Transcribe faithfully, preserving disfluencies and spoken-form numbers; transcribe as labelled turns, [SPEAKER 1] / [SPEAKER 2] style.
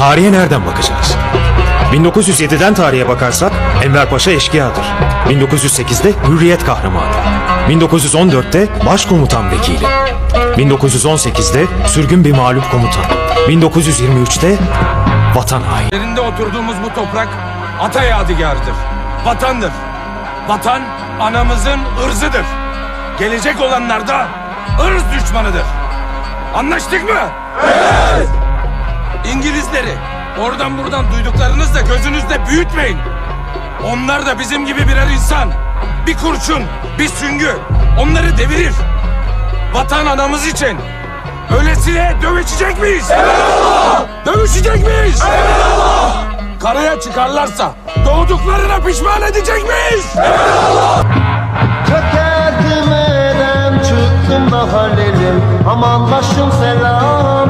[SPEAKER 1] tarihe nereden bakacağız? bin dokuz yüz yediden tarihe bakarsak Enver Paşa eşkıyadır. bin dokuz yüz sekizde Hürriyet kahramanı. bin dokuz yüz on dörtte Başkomutan vekili. bin dokuz yüz on sekizde sürgün bir mağlup komutan. bin dokuz yüz yirmi üçte vatan haini.
[SPEAKER 2] Yerinde oturduğumuz bu toprak ata yadigarıdır. Vatandır. Vatan anamızın ırzıdır. Gelecek olanlar da ırz düşmanıdır. Anlaştık mı? Evet! İngilizleri oradan buradan duyduklarınızla gözünüzde büyütmeyin. Onlar da bizim gibi birer insan. Bir kurşun, bir süngü onları devirir. Vatan anamız için öylesine dövüşecek miyiz? Evet! Dövüşecek miyiz? Evet! Karaya çıkarlarsa doğduklarına pişman edecek miyiz? Evet!
[SPEAKER 3] Çökerdim edem çıktım da halelim. Aman başım selam.